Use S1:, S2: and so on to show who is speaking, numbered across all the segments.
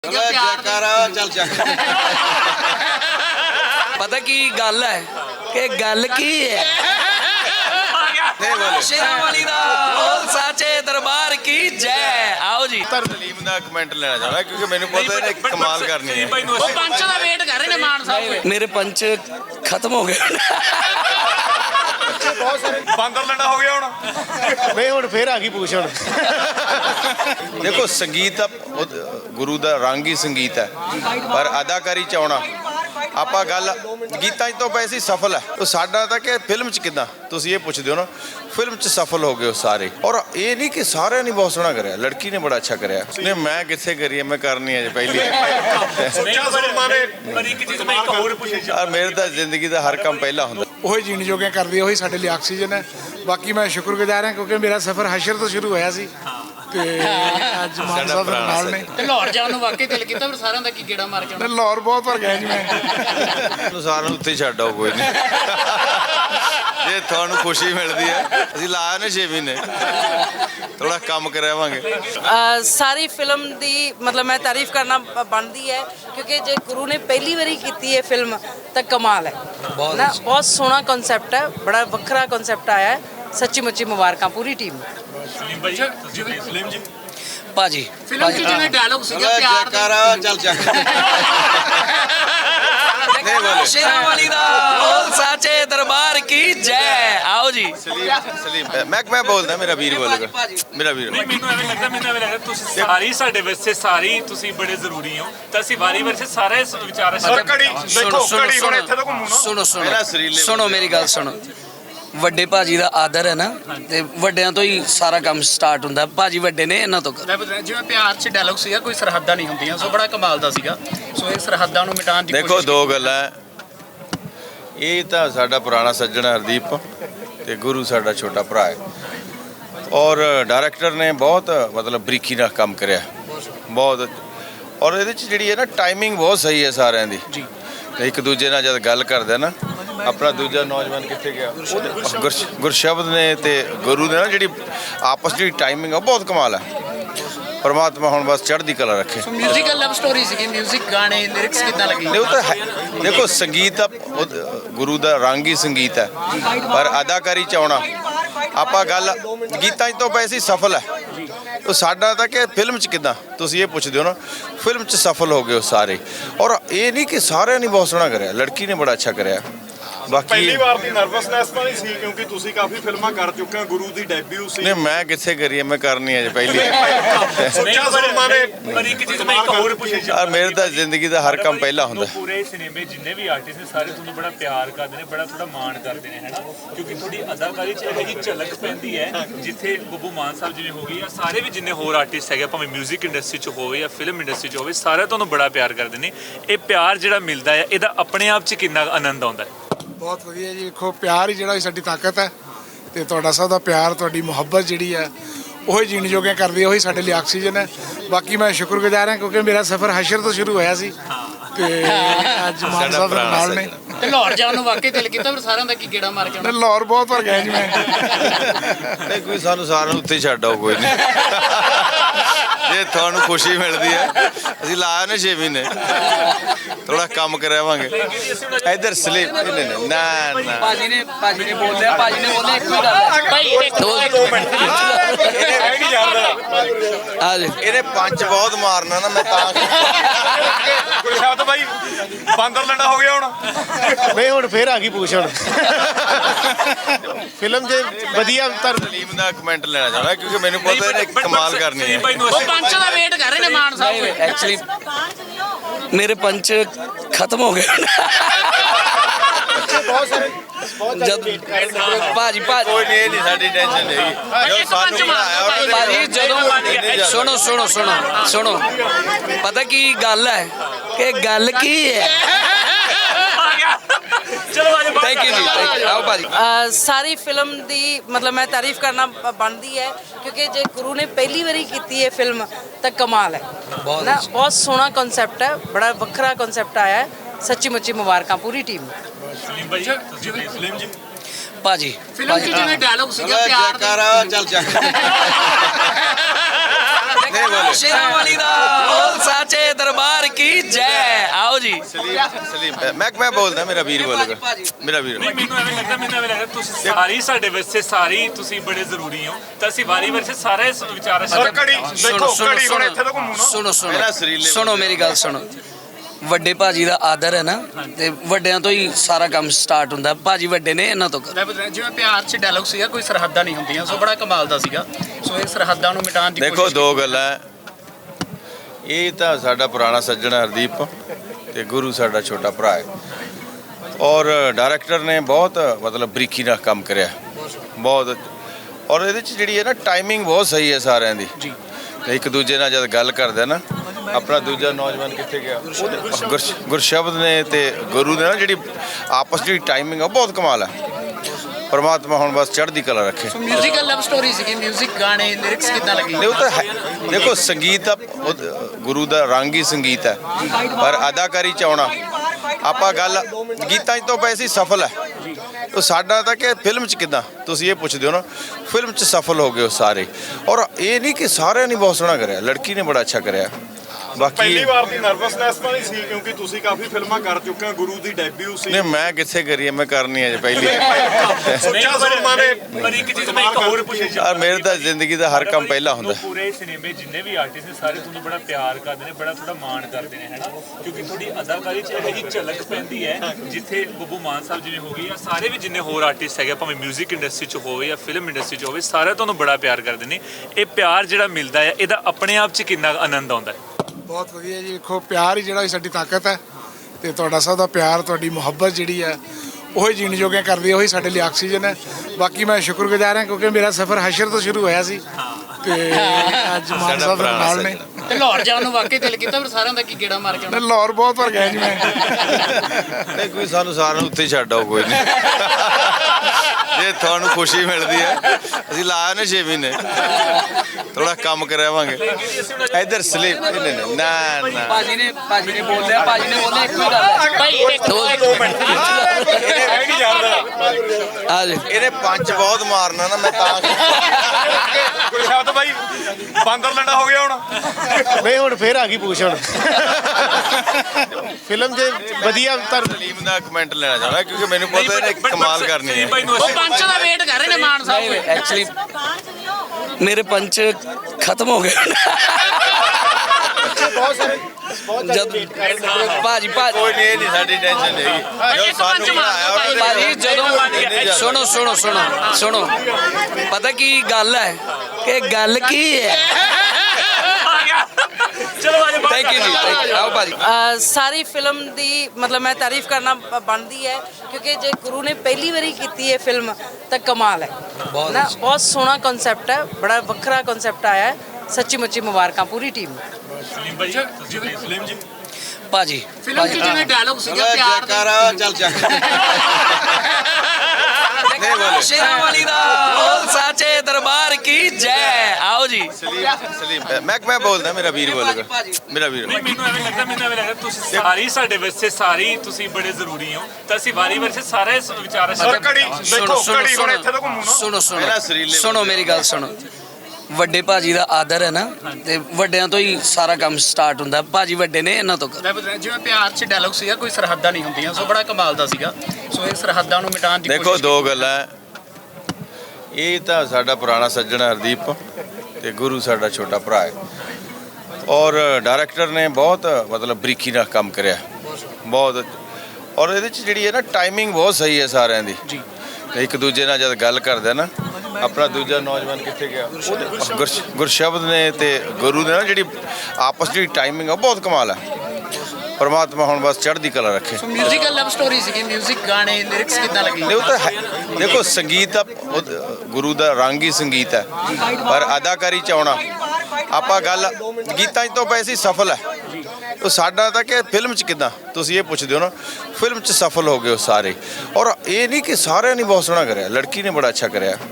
S1: पता की गल है कि गल की है शेरावाली दा बोल साचे दरबार की जय। आओ जी
S2: सलीम ਦਾ ਕਮੈਂਟ ਲੈਣਾ ਚਾਹੁੰਦਾ ਕਿਉਂਕਿ ਮੈਨੂੰ ਪਤਾ ਇਹਨੇ ਕਮਾਲ ਕਰਨੀ ਹੈ।
S3: ਉਹ ਪੰਚ ਦਾ ਵੇਟ ਕਰ ਰਹੇ ਨੇ ਮਾਨ ਸਾਹਿਬ।
S1: मेरे पंच खत्म हो गए
S2: ਬਾਂਦਰ ਲੰਡਾ ਹੋ ਗਿਆ ਹੁਣ
S4: ਨਹੀਂ ਹੁਣ ਫੇਰ ਆ ਗਈ ਪੁੱਛ ਹੁਣ
S2: ਦੇਖੋ ਸੰਗੀਤ ਤਾਂ ਗੁਰੂ ਦਾ ਰੰਗ ਹੀ ਸੰਗੀਤ ਹੈ ਪਰ ਅਦਾਕਾਰੀ ਚ ਆਉਣਾ ਆਪਾਂ ਗੱਲ ਗੀਤਾਂ 'ਚ ਤਾਂ ਵੈਸੇ ਹੀ ਸਫਲ ਹੈ ਉਹ ਸਾਡਾ ਤਾਂ ਕਿ ਫਿਲਮ 'ਚ ਕਿੱਦਾਂ ਤੁਸੀਂ ਇਹ ਪੁੱਛਦੇ ਹੋ ਨਾ ਫਿਲਮ 'ਚ ਸਫਲ ਹੋ ਗਏ ਉਹ ਸਾਰੇ ਔਰ ਇਹ ਨਹੀਂ ਕਿ ਸਾਰਿਆਂ ਨੇ ਬਹੁਤ ਸੋਹਣਾ ਕਰਿਆ ਲੜਕੀ ਨੇ ਬੜਾ ਅੱਛਾ ਕਰਿਆ ਨਹੀਂ ਮੈਂ ਕਿੱਥੇ ਕਰੀ ਮੈਂ ਕਰਨੀ ਹੈ ਪਹਿਲੀ ਯਾਰ ਮੇਰੇ ਤਾਂ ਜ਼ਿੰਦਗੀ ਦਾ ਹਰ ਕੰਮ ਪਹਿਲਾ ਹੁੰਦਾ
S5: ਉਹੀ ਜੀਣ ਜੋਗਿਆ ਕਰਦੀ ਹੈ ਉਹੀ ਸਾਡੇ ਲਈ ਆਕਸੀਜਨ ਹੈ ਬਾਕੀ ਮੈਂ ਸ਼ੁਕਰਗੁਜ਼ਾਰ ਹਾਂ ਕਿਉਂਕਿ ਮੇਰਾ ਸਫ਼ਰ ਹਸ਼ਰ ਤੋਂ ਸ਼ੁਰੂ ਹੋਇਆ ਸੀ ਤੇ ਅੱਜ ਮਾਨ ਸਾਹਿਬ ਦੇ ਨਾਲ ਨੇ
S3: ਤੇ ਲਾਹੌਰ ਜਾਣ ਨੂੰ ਵਾਕਈ ਦਿਲ ਕੀਤਾ ਪਰ ਸਾਰਿਆਂ ਦਾ ਕੀ ਗੇੜਾ ਮਾਰ ਕੇ ਆਉਣਾ।
S5: ਲਾਹੌਰ ਬਹੁਤ ਵਾਰ ਗਿਆ ਜੀ ਮੈਂ
S2: ਸਾਰਿਆਂ ਨੂੰ ਉੱਥੇ ਛੱਡ ਆਓ ਕੋਈ ਨਹੀਂ ਜੇ ਤੁਹਾਨੂੰ ਖੁਸ਼ੀ ਮਿਲਦੀ ਹੈ ਅਸੀਂ ਲਾਇਆ ਨੇ 6 ਮਹੀਨੇ ਥੋੜਾ ਕੰਮ ਕਰਾਵਾਂਗੇ।
S6: ਸਾਰੀ ਫਿਲਮ ਦੀ ਮਤਲਬ ਮੈਂ ਤਾਰੀਫ ਕਰਨਾ ਬਣਦੀ ਹੈ ਕਿਉਂਕਿ ਜੇ ਗੁਰੂ ਨੇ ਪਹਿਲੀ ਵਾਰੀ ਕੀਤੀ ਹੈ ਫਿਲਮ ਤਾਂ ਕਮਾਲ ਹੈ ਨਾ ਬਹੁਤ ਸੋਹਣਾ ਕਨਸੈਪਟ ਹੈ ਬੜਾ ਵੱਖਰਾ ਕਨਸੈਪਟ ਆਇਆ ਹੈ ਸੱਚੀ ਮੁੱਚੀ ਮੁਬਾਰਕਾਂ ਪੂਰੀ ਟੀਮ ਨੂੰ।
S1: ਭਾਜੀ
S3: ਫਿਲਮ 'ਚ ਜਿਵੇਂ ਡਾਇਲੌਗ ਸੀਗਾ ਪਿਆਰ ਦਾ
S1: शेरावाली दा बोल साचे दरबार की जय। आओ जी
S2: ਸਲੀਮ ਮੈਂ ਬੋਲਦਾ ਮੇਰਾ ਵੀਰ ਬੋਲੇਗਾ ਮੇਰਾ ਵੀਰ
S7: ਮੈਨੂੰ ਐਵੇਂ ਲੱਗਦਾ ਤੁਸੀਂ ਸਾਰੀ ਸਾਡੇ ਵਾਸਤੇ ਸਾਰੀ ਤੁਸੀਂ ਬੜੇ ਜ਼ਰੂਰੀ ਹੋ ਤਾਂ ਅਸੀਂ ਵਾਰੀ ਵਾਰੀ ਸਾਰੇ ਵਿਚਾਰ
S1: ਸੁਣੋ ਮੇਰੀ ਗੱਲ ਸੁਣੋ ਵੱਡੇ ਭਾਜੀ ਦਾ ਆਦਰ ਹੈ ਨਾ ਤੇ ਵੱਡਿਆਂ ਤੋਂ ਹੀ ਸਾਰਾ ਕੰਮ ਸਟਾਰਟ ਹੁੰਦਾ ਭਾਜੀ ਵੱਡੇ ਨੇ ਇਹਨਾਂ ਤੋਂ
S3: ਜਿਵੇਂ ਪਿਆਰ 'ਚ ਡਾਇਲੌਗ ਸੀਗਾ ਕੋਈ ਸਰਹੱਦਾਂ ਨਹੀਂ ਹੁੰਦੀਆਂ ਸੋ ਬੜਾ ਕਮਾਲ ਦਾ ਸੀਗਾ ਸੋ ਇਹ ਸਰਹੱਦਾਂ ਨੂੰ ਮਿਟਾਉਣ ਦੀ
S2: ਦੇਖੋ ਦੋ ਗੱਲਾਂ ਇਹ ਤਾਂ ਸਾਡਾ ਪੁਰਾਣਾ ਸੱਜਣਾ ਹਰਦੀਪ ਤੇ ਗੁਰੂ ਸਾਡਾ ਛੋਟਾ ਭਰਾ ਹੈ ਔਰ ਡਾਇਰੈਕਟਰ ਨੇ ਬਹੁਤ ਮਤਲਬ ਬਰੀਕੀ ਨਾਲ ਕੰਮ ਕਰਿਆ ਬਹੁਤ ਔਰ ਇਹਦੇ 'ਚ ਜਿਹੜੀ ਹੈ ਨਾ ਟਾਈਮਿੰਗ ਬਹੁਤ ਸਹੀ ਹੈ ਸਾਰਿਆਂ ਦੀ ਜੀ ਤੇ ਇੱਕ ਦੂਜੇ ਨਾਲ ਜਦ ਗੱਲ ਕਰਦੇ ਨਾ ਆਪਣਾ ਦੂਜਾ ਨੌਜਵਾਨ ਕਿੱਥੇ ਗਿਆ ਗੁਰਸ਼ਬਦ ਨੇ ਤੇ ਗੁਰੂ ਨੇ ਨਾ ਜਿਹੜੀ ਆਪਸ ਦੀ ਟਾਈਮਿੰਗ ਆ ਬਹੁਤ ਕਮਾਲ ਹੈ ਪਰਮਾਤਮਾ ਹੁਣ ਬਸ ਚੜ੍ਹਦੀ ਕਲਾ ਰੱਖੇ।
S3: ਮਿਊਜ਼ੀਕਲ ਲਵ ਸਟੋਰੀ ਸੀਗੀ ਮਿਊਜ਼ਿਕ ਗਾਣੇ ਲਿਰਿਕਸ ਕਿੱਦਾਂ ਲੱਗੀ
S2: ਉਹ ਤਾਂ ਦੇਖੋ ਸੰਗੀਤ ਤਾਂ ਗੁਰੂ ਦਾ ਰੰਗ ਹੀ ਸੰਗੀਤ ਹੈ ਪਰ ਅਦਾਕਾਰੀ ਚ ਆਉਣਾ ਆਪਾਂ ਗੱਲ ਗੀਤਾਂ 'ਚ ਤਾਂ ਵੈਸੇ ਹੀ ਸਫਲ ਹੈ ਉਹ ਸਾਡਾ ਤਾਂ ਕਿ ਫਿਲਮ 'ਚ ਕਿੱਦਾਂ ਤੁਸੀਂ ਇਹ ਪੁੱਛਦੇ ਹੋ ਨਾ ਫਿਲਮ 'ਚ ਸਫਲ ਹੋ ਗਏ ਉਹ ਸਾਰੇ ਔਰ ਇਹ ਨਹੀਂ ਕਿ ਸਾਰਿਆਂ ਨੇ ਬਹੁਤ ਸੋਹਣਾ ਕਰਿਆ ਲੜਕੀ ਨੇ ਬੜਾ ਅੱਛਾ ਕਰਿਆ ਬਾਕੀ
S8: ਪਹਿਲੀ ਵਾਰ ਦੀ ਨਰਵਸਨੈਸ ਤਾਂ ਨਹੀਂ ਸੀ ਕਿਉਂਕਿ ਤੁਸੀਂ ਕਾਫੀ ਫਿਲਮਾਂ ਕਰ ਚੁੱਕੇ ਹੋ ਗੁਰੂ ਦੀ ਡੈਬਿਊ ਸੀ
S2: ਨਹੀਂ ਮੈਂ ਕਿੱਥੇ ਕਰੀ ਮੈਂ ਕਰਨੀ ਹੈ ਪਹਿਲੀ
S7: ਪਰ ਇੱਕ ਚੀਜ਼ ਮੈਂ ਇੱਕ ਹੋਰ ਪੁੱਛਣਾ
S2: ਯਾਰ ਮੇਰੇ ਤਾਂ ਜ਼ਿੰਦਗੀ ਦਾ ਹਰ ਕੰਮ ਪਹਿਲਾ ਹੁੰਦਾ
S7: ਪੂਰੇ ਸਿਨੇਮੇ ਜਿੰਨੇ ਵੀ ਆਰਟਿਸਟ ਨੇ ਸਾਰੇ ਤੁਹਾਨੂੰ ਬੜਾ ਪਿਆਰ ਕਰਦੇ ਨੇ ਬੜਾ ਥੋੜਾ ਮਾਣ ਕਰਦੇ ਨੇ ਹੈਨਾ ਕਿਉਂਕਿ ਤੁਹਾਡੀ ਅਦਾਕਾਰੀ 'ਚ ਇਹੋ ਜਿਹੀ ਝਲਕ ਪੈਂਦੀ ਹੈ ਜਿੱਥੇ ਬੱਬੂ ਮਾਨ ਸਾਹਿਬ ਜਿਵੇਂ ਹੋ ਗਏ ਜਾਂ ਸਾਰੇ ਵੀ ਜਿੰਨੇ ਹੋਰ ਆਰਟਿਸਟ ਹੈਗੇ ਭਾਵੇਂ ਮਿਊਜ਼ਿਕ ਇੰਡਸਟਰੀ 'ਚ ਹੋਵੇ ਜਾਂ ਫਿਲਮ ਇੰਡਸਟਰੀ 'ਚ ਹੋਵੇ ਸਾਰੇ ਤੁਹਾਨੂੰ ਬੜਾ ਪਿਆਰ ਕਰਦੇ ਨੇ ਇਹ ਪਿਆਰ ਜਿਹੜਾ ਮਿਲਦਾ ਹੈ ਇਹਦਾ ਆਪਣੇ ਆਪ 'ਚ ਕਿੰਨਾ ਆਨੰਦ ਆਉਂਦਾ ਹੈ।
S5: ਬਹੁਤ ਵਧੀਆ ਜੀ ਵੇਖੋ ਪਿਆਰ ਹੀ ਜਿਹੜਾ ਸਾਡੀ ਤਾਕਤ ਹੈ ਤੇ ਤੁਹਾਡਾ ਸਭ ਦਾ ਪਿਆਰ ਤੁਹਾਡੀ ਮੁਹੱਬਤ ਜਿਹੜੀ ਹੈ ਉਹੀ ਜੀਣ ਜੋਗਿਆ ਕਰਦੀ ਹੈ ਉਹੀ ਸਾਡੇ ਲਈ ਆਕਸੀਜਨ ਹੈ ਬਾਕੀ ਮੈਂ ਸ਼ੁਕਰਗੁਜ਼ਾਰ ਹਾਂ ਕਿਉਂਕਿ ਮੇਰਾ ਸਫ਼ਰ ਹਸ਼ਰ ਤੋਂ ਸ਼ੁਰੂ ਹੋਇਆ ਸੀ ਤੇ ਅੱਜ ਮਾਨ ਸਾਹਿਬ ਦੇ ਨਾਲ ਨੇ
S3: ਤੇ ਲਾਹੌਰ ਜਾਣ ਨੂੰ ਵਾਕਈ ਦਿਲ ਕੀਤਾ ਪਰ ਸਾਰਿਆਂ ਦਾ ਕੀ ਗੇੜਾ ਮਾਰ ਕੇ ਆਉਣਾ।
S5: ਲਾਹੌਰ ਬਹੁਤ ਵਾਰ ਗਿਆ ਜੀ ਮੈਂ
S2: ਨਹੀਂ ਕੋਈ ਸਾਨੂੰ ਸਾਰਿਆਂ ਨੂੰ ਉੱਥੇ ਛੱਡ ਆਓ ਕੋਈ ਨਹੀਂ ਜੇ ਤੁਹਾਨੂੰ ਖੁਸ਼ੀ ਮਿਲਦੀ ਹੈ ਅਸੀਂ ਲਾਇਆ ਨੇ 6 ਮਹੀਨੇ ਥੋੜਾ ਕੰਮ ਕਰਾਵਾਂਗੇ ਇੱਧਰ ਸਲੀਪ ਨਾ ਨਾ
S1: ਭਾਜੀ ਨੇ ਬੋਲਿਆ ਇੱਕੋ ਹੀ ਗੱਲ ਹੈ
S3: ਭਾਈ ਇੱਕ ਮਿੰਟ
S1: ਆ ਜੀ
S2: ਇਹਨੇ ਪੰਜ ਬਹੁਤ ਮਾਰਨਾ ਨਾ ਮੈਂ ਤਾਂ
S8: ਗੁਰਸ਼ਬਦ ਭਾਈ ਬਾਂਦਰ ਲੰਡਾ ਹੋ ਗਿਆ ਹੁਣ
S4: ਨਹੀਂ ਹੁਣ ਫੇਰ ਆ ਗਈ ਪੁੱਛ ਹੁਣ ਫਿਲਮ ਦੇ ਵਧੀਆ
S2: ਸਲੀਮ ਦਾ ਕਮੈਂਟ ਲੈਣਾ ਚਾਹੁੰਦਾ ਕਿਉਂਕਿ ਮੈਨੂੰ ਪਤਾ ਇਹਨੇ ਕਮਾਲ ਕਰਨੀ ਹੈ।
S3: ਉਹ ਪੰਚ ਦਾ ਵੇਟ ਕਰ ਰਹੇ ਨੇ ਮਾਨ ਸਾਹਿਬ।
S1: एक्चुअली मेरे पंच खत्म हो गए जब भाजी
S2: ਕੋਈ ਨਹੀਂ ਇਹ ਨਹੀਂ ਸਾਡੀ ਟੈਨਸ਼ਨ ਹੈਗੀ ਜੋ ਸਾਨੂੰ ਬਣਾਇਆ
S1: ਭਾਜੀ ਜਦੋਂ ਸੁਣੋ ਪਤਾ ਕੀ ਗੱਲ ਹੈ ਕਿ ਗੱਲ ਕੀ ਹੈ ਥੈਂਕ ਯੂ ਜੀ ਆਓ ਭਾਜੀ
S6: ਸਾਰੀ ਫਿਲਮ ਦੀ ਮਤਲਬ ਮੈਂ ਤਾਰੀਫ ਕਰਨਾ ਬਣਦੀ ਹੈ ਕਿਉਂਕਿ ਜੇ ਗੁਰੂ ਨੇ ਪਹਿਲੀ ਵਾਰੀ ਕੀਤੀ ਹੈ ਫਿਲਮ ਤਾਂ ਕਮਾਲ ਹੈ ਨਾ ਬਹੁਤ ਸੋਹਣਾ ਕਨਸੈਪਟ ਹੈ ਬੜਾ ਵੱਖਰਾ ਕਨਸੈਪਟ ਆਇਆ ਹੈ ਸੱਚੀ ਮੁੱਚੀ ਮੁਬਾਰਕਾਂ ਪੂਰੀ ਟੀਮ ਨੂੰ।
S1: ਭਾਜੀ
S3: ਫਿਲਮ 'ਚ ਜਿਵੇਂ ਡਾਇਲੌਗ ਸੀਗਾ ਪਿਆਰ ਦਾ
S2: नहीं बोले।
S1: शेरावाली दा बोल साचे दरबार की जय। आओ जी
S2: ਸਲੀਮ ਮੈਂ ਬੋਲਦਾ, ਮੇਰਾ ਵੀਰ ਬੋਲੇਗਾ, ਮੇਰਾ ਵੀਰ।
S7: ਨਹੀਂ ਮੈਨੂੰ ਐਵੇਂ ਲੱਗਦਾ ਤੁਸੀਂ ਸਾਰੀ ਸਾਡੇ ਵਾਸਤੇ ਸਾਰੀ ਤੁਸੀਂ ਬੜੇ ਜ਼ਰੂਰੀ ਹੋ ਤਾਂ ਅਸੀਂ ਵਾਰੀ ਵਾਰੀ ਸਾਰੇ ਇਸ ਵਿਚਾਰ
S8: ਸਰ ਘੜੀ ਦੇਖੋ ਘੜੀ ਹੁਣ ਇੱਥੇ ਤਾਂ ਘੁੰਮੂ ਨਾ।
S1: ਸੁਣੋ
S2: ਮੇਰਾ ਸਰੀਲੇ
S1: ਸੁਣੋ ਮੇਰੀ ਗੱਲ ਸੁਣੋ। ਵੱਡੇ ਭਾਜੀ ਦਾ ਆਦਰ ਹੈ ਨਾ, ਤੇ ਵੱਡਿਆਂ ਤੋਂ ਹੀ ਸਾਰਾ ਕੰਮ ਸਟਾਰਟ ਹੁੰਦਾ। ਭਾਜੀ ਵੱਡੇ ਨੇ, ਇਹਨਾਂ ਤੋਂ ਕਰੋ।
S3: ਜਿਵੇਂ ਪਿਆਰ 'ਚ ਡਾਇਲੌਗ ਸੀਗਾ ਕੋਈ ਸਰਹੱਦਾਂ ਨਹੀਂ ਹੁੰਦੀਆਂ, ਸੋ ਬੜਾ ਕਮਾਲ ਦਾ ਸੀਗਾ। ਸੋ ਇਹ ਸਰਹੱਦਾਂ ਨੂੰ ਮਿਟਾਉਣ ਦੀ
S2: ਦੇਖੋ ਦੋ ਗੱਲਾਂ ਹੈ। ਇਹ ਤਾਂ ਸਾਡਾ ਪੁਰਾਣਾ ਸੱਜਣ ਹਰਦੀਪ ਤੇ ਗੁਰੂ ਸਾਡਾ ਛੋਟਾ ਭਰਾ ਹੈ, ਔਰ ਡਾਇਰੈਕਟਰ ਨੇ ਬਹੁਤ ਮਤਲਬ ਬਰੀਕੀ ਨਾਲ ਕੰਮ ਕਰਿਆ ਬਹੁਤ। ਔਰ ਇਹਦੇ 'ਚ ਜਿਹੜੀ ਹੈ ਨਾ ਟਾਈਮਿੰਗ ਬਹੁਤ ਸਹੀ ਹੈ ਸਾਰਿਆਂ ਦੀ ਜੀ। ਇੱਕ ਦੂਜੇ ਨਾਲ ਜਦ ਗੱਲ ਕਰਦੇ ਨਾ, ਆਪਣਾ ਦੂਜਾ ਨੌਜਵਾਨ ਕਿੱਥੇ ਗਿਆ, ਗੁਰਸ਼ਬਦ ਨੇ ਤੇ ਗੁਰੂ ਨੇ ਨਾ ਜਿਹੜੀ ਆਪਸ ਦੀ ਟਾਈਮਿੰਗ ਆ ਬਹੁਤ ਕਮਾਲ ਹੈ। ਪਰਮਾਤਮਾ ਹੁਣ ਬਸ ਚੜ੍ਹਦੀ ਕਲਾ ਰੱਖੇ।
S3: ਮਿਊਜ਼ੀਕਲ ਲਵ ਸਟੋਰੀ ਸੀਗੀ, ਮਿਊਜ਼ਿਕ ਗਾਣੇ ਲਿਰਿਕਸ ਕਿੱਦਾਂ ਲੱਗੀ?
S2: ਨਹੀਂ ਉਹ ਤਾਂ ਹੈ, ਦੇਖੋ ਸੰਗੀਤ ਦਾ ਗੁਰੂ ਦਾ ਰੰਗ ਹੀ ਸੰਗੀਤ ਹੈ, ਪਰ ਅਦਾਕਾਰੀ ਚ ਆਉਣਾ ਆਪਾਂ ਗੱਲ ਗੀਤਾਂ 'ਚ ਤੋਂ ਵੈਸੇ ਹੀ ਸਫਲ ਹੈ। ਉਹ ਸਾਡਾ ਤਾਂ ਕਿ ਫਿਲਮ 'ਚ ਕਿੱਦਾਂ, ਤੁਸੀਂ ਇਹ ਪੁੱਛਦੇ ਹੋ ਨਾ, ਫਿਲਮ 'ਚ ਸਫਲ ਹੋ ਗਏ ਉਹ ਸਾਰੇ। ਔਰ ਇਹ ਨਹੀਂ ਕਿ ਸਾਰਿਆਂ ਨੇ ਬਹੁਤ ਸੋਹਣਾ ਕਰਿਆ, ਲੜਕੀ ਨੇ ਬੜਾ ਅੱਛਾ ਕਰਿਆ। ਬਾਕੀ
S8: ਪਹਿਲੀ ਵਾਰ ਦੀ ਨਰਵਸਨੈਸ ਤਾਂ ਨਹੀਂ ਸੀ ਕਿਉਂਕਿ ਤੁਸੀਂ ਕਾਫੀ ਫਿਲਮਾਂ ਕਰ ਚੁੱਕੇ ਹੋ, ਗੁਰੂ ਦੀ ਡੈਬਿਊ ਸੀ।
S2: ਨਹੀਂ ਮੈਂ ਕਿੱਥੇ ਕਰੀ ਹੈ, ਮੈਂ ਕਰਨੀ ਹੈ ਜੇ ਪਹਿਲੀ।
S8: ਸੁੱਚਾ ਸੁਰਮਾ ਨੇ
S7: ਪਰ ਇੱਕ ਚੀਜ਼ ਮੈਂ ਇੱਕ ਹੋਰ ਪੁੱਛਣੀ
S2: ਯਾਰ ਮੇਰੇ ਤਾਂ ਜ਼ਿੰਦਗੀ ਦਾ ਹਰ ਕੰਮ ਪਹਿਲਾ ਹੁੰਦਾ।
S7: ਪੂਰੇ ਸਿਨੇਮੇ ਜਿੰਨੇ ਵੀ ਆਰਟਿਸਟ ਨੇ ਸਾਰੇ ਤੁਹਾਨੂੰ ਬੜਾ ਪਿਆਰ ਕਰਦੇ ਨੇ, ਬੜਾ ਤੁਹਾਡਾ ਮਾਣ ਕਰਦੇ ਨੇ, ਹੈਨਾ? ਕਿਉਂਕਿ ਤੁਹਾਡੀ ਅਦਾਕਾਰੀ 'ਚ ਇਹੋ ਜਿਹੀ ਝਲਕ ਪੈਂਦੀ ਹੈ ਜਿੱਥੇ ਬੱਬੂ ਮਾਨ ਸਾਹਿਬ ਜਿਵੇਂ ਹੋ ਗਏ ਜਾਂ ਸਾਰੇ ਵੀ ਜਿੰਨੇ ਹੋਰ ਆਰਟਿਸਟ ਹੈਗੇ, ਭਾਵੇਂ 뮤직 ਇੰਡਸਟਰੀ 'ਚ ਹੋਵੇ ਜਾਂ ਫਿਲਮ ਇੰਡਸਟਰੀ 'ਚ ਹੋਵੇ, ਸਾਰੇ ਤੁਹਾਨੂੰ ਬੜਾ ਪਿਆਰ ਕਰਦੇ ਨੇ। ਇਹ ਪਿਆਰ ਜਿਹੜਾ ਮਿਲਦਾ ਹੈ, ਇਹਦਾ ਆਪਣੇ ਆਪ 'ਚ ਕਿੰਨਾ ਆਨੰਦ ਆਉਂਦਾ ਹੈ?
S5: ਬਹੁਤ ਵਧੀਆ ਜੀ। ਵੇਖੋ ਪਿਆਰ ਹੀ ਜਿਹੜਾ ਸਾਡੀ ਤਾਕਤ ਹੈ, ਤੇ ਤੁਹਾਡਾ ਸਭ ਦਾ ਪਿਆਰ, ਤੁਹਾਡੀ ਮੁਹੱਬਤ ਜਿਹੜੀ ਹੈ ਉਹੀ ਜੀਣ ਜੋਗਿਆ ਕਰਦੀ ਹੈ, ਉਹੀ ਸਾਡੇ ਲਈ ਆਕਸੀਜਨ ਹੈ। ਬਾਕੀ ਮੈਂ ਸ਼ੁਕਰਗੁਜ਼ਾਰ ਹਾਂ ਕਿਉਂਕਿ ਮੇਰਾ ਸਫ਼ਰ ਹਸ਼ਰ ਤੋਂ ਸ਼ੁਰੂ ਹੋਇਆ ਸੀ, ਤੇ ਅੱਜ ਮਾਨ ਸਾਹਿਬ ਨਾਲ ਨੇ।
S3: ਤੇ ਲਾਹੌਰ ਜਾਣ ਨੂੰ ਵਾਕਈ ਦਿਲ ਕੀਤਾ, ਫਿਰ ਸਾਰਿਆਂ ਦਾ ਕੀ ਗੇੜਾ ਮਾਰ ਕੇ ਆਉਣਾ?
S5: ਲਾਹੌਰ ਬਹੁਤ ਵਾਰ ਗਿਆ ਜੀ ਮੈਂ।
S2: ਨਹੀਂ ਕੋਈ ਸਾਨੂੰ ਸਾਰਿਆਂ ਨੂੰ ਉੱਥੇ ਹੀ ਛੱਡ ਆਓ, ਕੋਈ ਨਹੀਂ। ਜੇ ਤੁਹਾਨੂੰ ਖੁਸ਼ੀ ਮਿਲਦੀ ਹੈ, ਅਸੀਂ ਲਾਇਆ ਨੇ 6 ਮਹੀਨੇ, ਥੋੜਾ ਕੰਮ ਕਰਾਵਾਂਗੇ ਇੱਧਰ ਸਲੀਪ। ਨਾ ਨਾ
S1: ਭਾਜੀ ਨੇ ਬੋਲਿਆ, ਭਾਜੀ ਨੇ ਬੋਲਿਆ ਇੱਕੋ ਹੀ ਗੱਲ ਹੈ
S3: ਭਾਈ
S1: ਆ ਜੀ।
S2: ਇਹਨੇ ਪੰਜ ਬਹੁਤ ਮਾਰਨਾ ਨਾ, ਮੈਂ ਤਾਂ
S8: ਗੁਰਸ਼ਬਦ ਬਾਈ ਬਾਂਦਰ ਲੰਡਾ ਹੋ ਗਿਆ ਹੁਣ।
S4: ਨਹੀਂ ਹੁਣ ਫੇਰ ਆ ਗਈ ਪੁੱਛ ਹੁਣ। ਫਿਲਮ ਜੇ ਵਧੀਆ ਤਾਂ
S2: ਸਲੀਮ ਦਾ ਕਮੈਂਟ ਲੈਣਾ ਚਾਹੁੰਦਾ ਕਿਉਂਕਿ ਮੈਨੂੰ ਪਤਾ ਇਹਨੇ ਕਮਾਲ ਕਰਨੀ ਹੈ।
S3: ਉਹ ਪੰਚ ਦਾ ਵੇਟ ਕਰ ਰਹੇ ਨੇ ਮਾਨ ਸਾਹਿਬ।
S1: ਐਕਚੁਅਲੀ ਮੇਰੇ ਪੰਚ ਖਤਮ ਹੋ ਗਏ ਜਦ ਭਾਜੀ
S2: ਕੋਈ ਨਹੀਂ, ਇਹ ਨਹੀਂ ਸਾਡੀ ਟੈਨਸ਼ਨ ਹੈਗੀ। ਜੋ ਸਾਨੂੰ ਬਣਾਇਆ
S1: ਭਾਜੀ ਜਦੋਂ ਸੁਣੋ ਪਤਾ ਕੀ ਗੱਲ ਹੈ ਕਿ ਗੱਲ ਕੀ ਹੈ।
S7: ਚਲੋ ਆਜੋ
S1: ਥੈਂਕ ਯੂ ਜੀ, ਆਓ ਭਾਜੀ।
S6: ਸਾਰੀ ਫਿਲਮ ਦੀ ਮਤਲਬ ਮੈਂ ਤਾਰੀਫ ਕਰਨਾ ਬਣਦੀ ਹੈ ਕਿਉਂਕਿ ਜੇ ਗੁਰੂ ਨੇ ਪਹਿਲੀ ਵਾਰੀ ਕੀਤੀ ਹੈ ਫਿਲਮ ਤਾਂ ਕਮਾਲ ਹੈ ਨਾ। ਬਹੁਤ ਸੋਹਣਾ ਕਨਸੈਪਟ ਹੈ, ਬੜਾ ਵੱਖਰਾ ਕਨਸੈਪਟ ਆਇਆ ਹੈ। ਸੱਚੀ ਮੁੱਚੀ ਮੁਬਾਰਕਾਂ ਪੂਰੀ ਟੀਮ ਨੂੰ।
S7: ਸਲੀਮ ਜੀ
S1: ਭਾਜੀ
S3: ਫਿਲਮ 'ਚ ਜਿਵੇਂ ਡਾਇਲੌਗ ਸੀਗਾ ਪਿਆਰ ਦਾ,
S2: ਚੱਲ ਚੱਲ
S1: शेरावाली दा बोल साचे दरबार की जय। आओ जी
S2: ਸਲੀਮ ਮੈਂ ਬੋਲਦਾ, ਮੇਰਾ ਵੀਰ ਬੋਲੇਗਾ, ਮੇਰਾ ਵੀਰ।
S7: ਨਹੀਂ ਮੈਨੂੰ ਐਵੇਂ ਲੱਗਦਾ ਤੁਸੀਂ ਸਾਰੀ ਸਾਡੇ ਵਾਸਤੇ ਸਾਰੀ ਤੁਸੀਂ ਬੜੇ ਜ਼ਰੂਰੀ ਹੋ ਤਾਂ ਅਸੀਂ ਵਾਰੀ ਵਾਰੀ ਸਾਰੇ ਇਸ ਵਿਚਾਰ
S8: ਸਰ ਘੜੀ ਦੇਖੋ ਘੜੀ ਹੁਣ ਇੱਥੇ ਤਾਂ ਘੁੰਮੂ ਨਾ।
S2: ਮੇਰਾ ਸਰੀਲੇ
S1: ਸੁਣੋ ਮੇਰੀ ਗੱਲ ਸੁਣੋ। ਵੱਡੇ ਭਾਜੀ ਦਾ ਆਦਰ ਹੈ ਨਾ, ਤੇ ਵੱਡਿਆਂ ਤੋਂ ਹੀ ਸਾਰਾ ਕੰਮ ਸਟਾਰਟ ਹੁੰਦਾ। ਭਾਜੀ ਵੱਡੇ ਨੇ, ਇਹਨਾਂ ਤੋਂ ਕਰੋ।
S3: ਜਿਵੇਂ ਪਿਆਰ 'ਚ ਡਾਇਲੌਗ ਸੀਗਾ ਕੋਈ ਸਰਹੱਦਾਂ ਨਹੀਂ ਹੁੰਦੀਆਂ, ਸੋ ਬੜਾ ਕਮਾਲ ਦਾ ਸੀਗਾ। ਸੋ ਇਹ ਸਰਹੱਦਾਂ ਨੂੰ ਮਿਟਾਉਣ ਦੀ
S2: ਦੇਖੋ ਦੋ ਗੱਲਾਂ ਹੈ। ਇਹ ਤਾਂ ਸਾਡਾ ਪੁਰਾਣਾ ਸੱਜਣ ਹਰਦੀਪ ਤੇ ਗੁਰੂ ਸਾਡਾ ਛੋਟਾ ਭਰਾ ਹੈ, ਔਰ ਡਾਇਰੈਕਟਰ ਨੇ ਬਹੁਤ ਮਤਲਬ ਬਰੀਕੀ ਨਾਲ ਕੰਮ ਕਰਿਆ ਬਹੁਤ। ਔਰ ਇਹਦੇ 'ਚ ਜਿਹੜੀ ਹੈ ਨਾ ਟਾਈਮਿੰਗ ਬਹੁਤ ਸਹੀ ਹੈ ਸਾਰਿਆਂ ਦੀ ਜੀ। ਇੱਕ ਦੂਜੇ ਨਾਲ ਜਦ ਗੱਲ ਕਰਦੇ ਨਾ, ਆਪਣਾ ਦੂਜਾ ਨੌਜਵਾਨ ਕਿੱਥੇ ਗਿਆ, ਗੁਰਸ਼ਬਦ ਨੇ ਤੇ ਗੁਰੂ ਨੇ ਨਾ ਜਿਹੜੀ ਆਪਸ ਦੀ ਟਾਈਮਿੰਗ ਆ ਬਹੁਤ ਕਮਾਲ ਹੈ। ਪਰਮਾਤਮਾ ਹੁਣ ਬਸ ਚੜ੍ਹਦੀ ਕਲਾ ਰੱਖੇ।
S3: ਮਿਊਜ਼ੀਕਲ ਲਵ ਸਟੋਰੀ ਸੀਗੀ, ਮਿਊਜ਼ਿਕ ਗਾਣੇ ਲਿਰਿਕਸ ਕਿੱਦਾਂ ਲੱਗੀ?
S2: ਨਹੀਂ ਉਹ ਤਾਂ ਹੈ, ਦੇਖੋ ਸੰਗੀਤ ਦਾ ਗੁਰੂ ਦਾ ਰੰਗ ਹੀ ਸੰਗੀਤ ਹੈ, ਪਰ ਅਦਾਕਾਰੀ ਚ ਆਉਣਾ ਆਪਾਂ ਗੱਲ ਗੀਤਾਂ 'ਚ ਤੋਂ ਵੈਸੇ ਹੀ ਸਫਲ ਹੈ। ਉਹ ਸਾਡਾ ਤਾਂ ਕਿ ਫਿਲਮ 'ਚ ਕਿੱਦਾਂ, ਤੁਸੀਂ ਇਹ ਪੁੱਛਦੇ ਹੋ ਨਾ, ਫਿਲਮ 'ਚ ਸਫਲ ਹੋ ਗਏ ਉਹ ਸਾਰੇ। ਔਰ ਇਹ ਨਹੀਂ ਕਿ ਸਾਰਿਆਂ ਨੇ ਬਹੁਤ ਸੋਹਣਾ ਕਰਿਆ, ਲੜਕੀ ਨੇ ਬੜਾ ਅੱਛਾ ਕਰਿਆ।